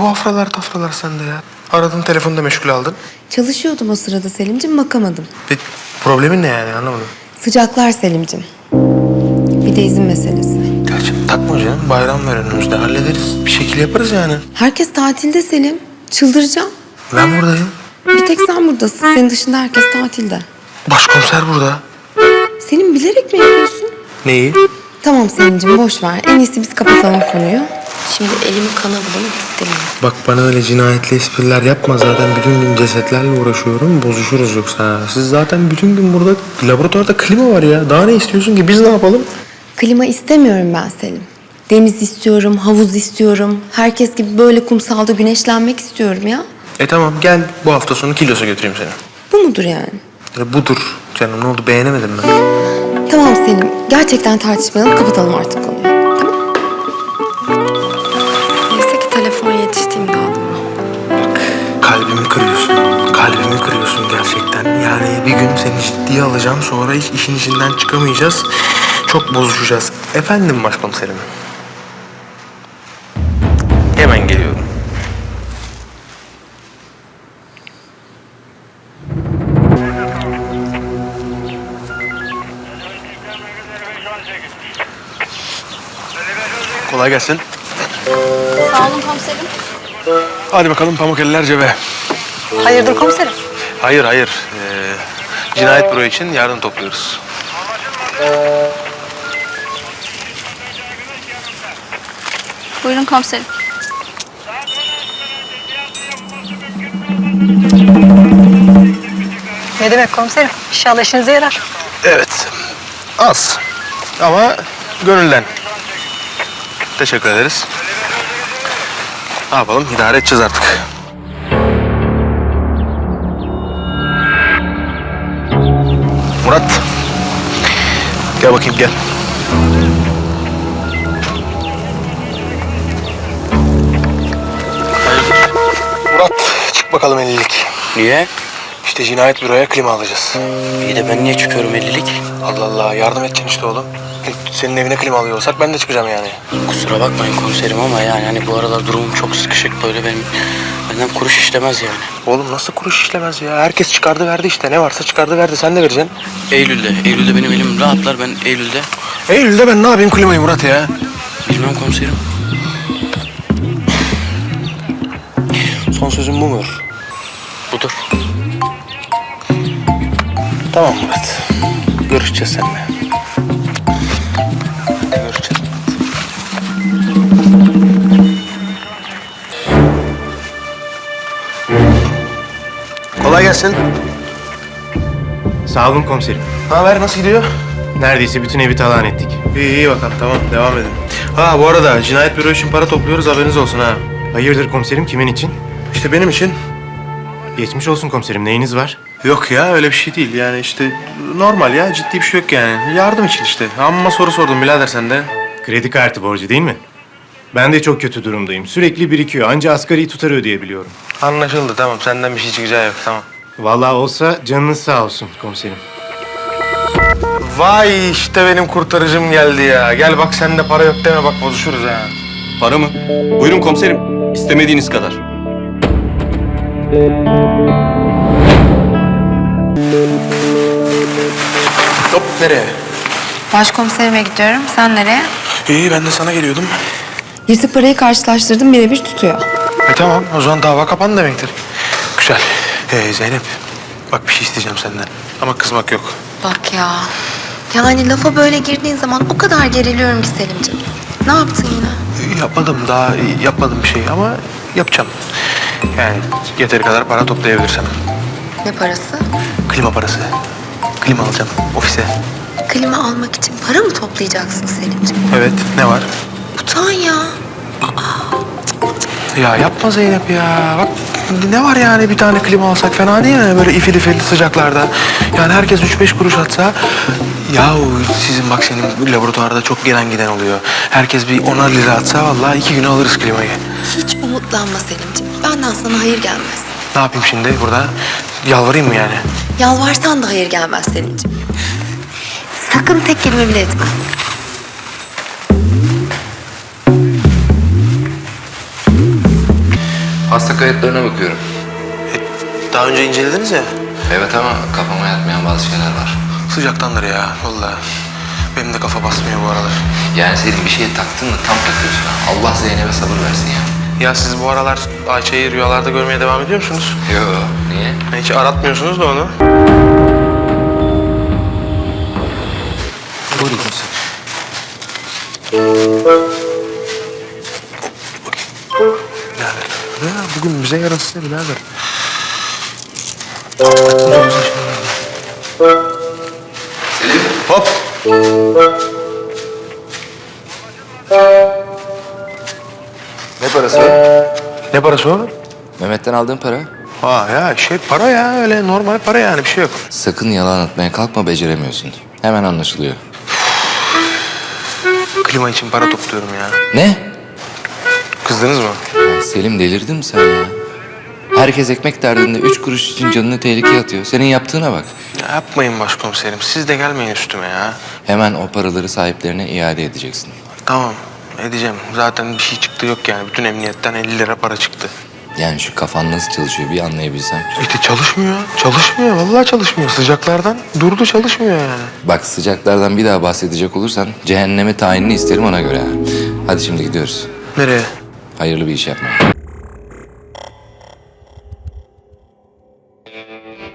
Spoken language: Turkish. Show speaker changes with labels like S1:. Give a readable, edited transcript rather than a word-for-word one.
S1: afralar tafralar sende ya. Aradın, telefonu da meşgul aldın.
S2: Çalışıyordum o sırada Selim'cim, bakamadım.
S1: Problemin ne yani, anlamadım.
S2: Sıcaklar Selim'cim. Bir de izin meselesi.
S1: Gerçi takma canım, bayram var önümüzde, hallederiz. Bir şekilde yaparız yani.
S2: Herkes tatilde Selim. Çıldıracağım.
S1: Ben buradayım.
S2: Bir tek sen buradasın. Senin dışında herkes tatilde.
S1: Başkomiser burada.
S2: Selim, bilerek mi yapıyorsun?
S1: Neyi?
S2: Tamam Selim'cim, boş ver. En iyisi biz kapatalım konuyu. Şimdi elimi kana bulamak istemiyorum.
S1: Bak bana öyle cinayetli espriler yapma, zaten bütün gün cesetlerle uğraşıyorum, bozuşuruz yoksa. Siz zaten bütün gün burada, laboratuvarda klima var ya. Daha ne istiyorsun ki, biz ne yapalım?
S2: Klima istemiyorum ben Selim. Deniz istiyorum, havuz istiyorum. Herkes gibi böyle kumsalda güneşlenmek istiyorum ya.
S1: Tamam, gel bu hafta sonu Kilos'a götüreyim seni.
S2: Bu mudur yani?
S1: Budur canım, ne oldu, beğenemedim ben.
S2: Tamam Selim, gerçekten tartışmayalım, kapatalım artık konuyu. Tamam. Neyse ki telefon yetiştiğimde aldım.
S1: Bak, kalbimi kırıyorsun. Kalbimi kırıyorsun gerçekten. Yani bir gün seni ciddiye alacağım, sonra hiç işin içinden çıkamayacağız. Çok bozuşacağız. Efendim başkomiserim. Hemen geliyorum. Kolay gelsin.
S3: Sağ olun komiserim.
S1: Hadi bakalım, pamuk eller cebe.
S3: Hayırdır komiserim?
S1: Hayır. Cinayet büro için yardım topluyoruz.
S3: Buyurun komiserim. Ne demek komiserim? İnşallah işinize yarar.
S1: Evet. Az. Ama gönülden. Teşekkür ederiz. Ne yapalım? İdare edeceğiz artık. Murat. Gel bakayım, gel. Murat, çık bakalım 50'lik.
S4: Niye?
S1: İşte cinayet büroya klima alacağız.
S4: İyi de ben niye çıkıyorum 50'lik?
S1: Allah Allah, yardım edeceksin işte oğlum. Senin evine klima alıyor olsak ben de çıkacağım yani.
S4: Kusura bakmayın komiserim ama yani hani bu aralar durumum çok sıkışık, böyle benden kuruş işlemez yani.
S1: Oğlum nasıl kuruş işlemez ya? Herkes çıkardı verdi işte. Ne varsa çıkardı verdi. Sen de vereceksin.
S4: Eylül'de benim elim rahatlar, ben Eylül'de.
S1: Eylül'de ben ne yapayım klimayı Murat ya?
S4: Bilmem komiserim.
S1: Son sözüm bu mudur?
S4: Budur.
S1: Tamam Murat. Görüşeceğiz seninle. Görüşeceğiz. Kolay gelsin.
S5: Sağ olun komiserim.
S1: Ne haber? Nasıl gidiyor?
S5: Neredeyse bütün evi talan ettik.
S1: İyi bakalım. Tamam. Devam edin. Ha bu arada cinayet büro için para topluyoruz. Haberiniz olsun ha.
S5: Hayırdır komiserim, kimin için?
S1: İşte benim için.
S5: Geçmiş olsun komiserim, neyiniz var?
S1: Yok ya, öyle bir şey değil. Yani işte normal ya. Ciddi bir şey yok yani. Yardım için işte. Amma soru sordum birader sen de.
S5: Kredi kartı borcu değil mi? Ben de çok kötü durumdayım. Sürekli birikiyor. Anca asgari tutar ödeyebiliyorum.
S1: Anlaşıldı, tamam. Senden bir şey çıkacağı yok, tamam.
S5: Vallahi olsa canınız sağ olsun komiserim.
S1: Vay işte benim kurtarıcım geldi ya. Gel bak, sen de para yok deme, bak bozuşuruz ha.
S6: Para mı? Buyurun komiserim. İstemediğiniz kadar.
S1: Hop, nereye?
S2: Başkomiserime gidiyorum. Sen nereye?
S1: İyi, ben de sana geliyordum.
S2: Yırtık parayı karşılaştırdım, birebir tutuyor.
S1: Tamam, o zaman dava kapandı demektir. Güzel. Zeynep, bak bir şey isteyeceğim senden. Ama kızmak yok.
S2: Bak ya. Yani lafa böyle girdiğin zaman o kadar geriliyorum ki Selim'ciğim. Ne yaptın yine?
S1: Daha yapmadım bir şey ama yapacağım. Yani yeteri kadar para toplayabilirsem.
S2: Ne parası?
S1: Klima parası. Klima alacağım ofise.
S2: Klima almak için para mı toplayacaksın Selim'ciğim?
S1: Evet, ne var?
S2: Utan ya.
S1: Ya yapma Zeynep ya. Bak ne var yani, bir tane klima alsak fena değil mi? Böyle ifil ifil sıcaklarda. Yani herkes 3-5 kuruş atsa. Yahu sizin bak, senin laboratuvarda çok gelen giden oluyor. Herkes bir 10'ar lira atsa vallahi 2 güne alırız klimayı.
S2: Hiç umutlanma Selim'ciğim. Benden sana hayır gelmez.
S1: Ne yapayım şimdi burada? Yalvarayım mı yani?
S2: Yalvarsan da hayır gelmez Selim'ciğim. Sakın tek kelime bile etme.
S7: Hasta kayıtlarına bakıyorum.
S1: Daha önce incelediniz ya.
S7: Evet ama kafama yatmayan bazı şeyler var.
S1: Sıcaktandır ya vallahi. Benim de kafa basmıyor bu aralar.
S7: Yani senin bir şeye taktın mı tam takıyorsun ha. Allah Zeynep'e sabır versin ya.
S1: Ya siz bu aralar Ayça'yı rüyalarda görmeye devam ediyor musunuz?
S7: Yo, niye?
S1: Hiç aratmıyorsunuz da onu.
S7: Buyurun komiserim.
S1: Birader. Ya bugün bize yarası birader.
S7: Selim.
S1: Hop.
S7: Ne parası o?
S1: Ne parası o?
S7: Mehmet'ten aldığın para.
S1: Ha ya para ya öyle normal para yani bir şey yok.
S7: Sakın yalan atmaya kalkma, beceremiyorsun. Hemen anlaşılıyor.
S1: Klima için para topluyorum ya.
S7: Ne?
S1: Kızdınız mı?
S7: Ya Selim, delirdin mi sen ya? Herkes ekmek derdinde 3 kuruş için canını tehlikeye atıyor. Senin yaptığına bak.
S1: Ya yapmayın başkomiserim. Siz de gelmeyin üstüme ya.
S7: Hemen o paraları sahiplerine iade edeceksin.
S1: Tamam edeceğim. Zaten bir şey çıktı yok yani. Bütün emniyetten 50 lira para çıktı.
S7: Yani şu kafan nasıl çalışıyor bir anlayabilsem.
S1: İşte çalışmıyor. Çalışmıyor. Vallahi çalışmıyor. Sıcaklardan durdu çalışmıyor yani.
S7: Bak, sıcaklardan bir daha bahsedecek olursan cehenneme tayinini isterim ona göre. Hadi şimdi gidiyoruz.
S1: Nereye?
S7: Hayırlı bir iş yapmaya.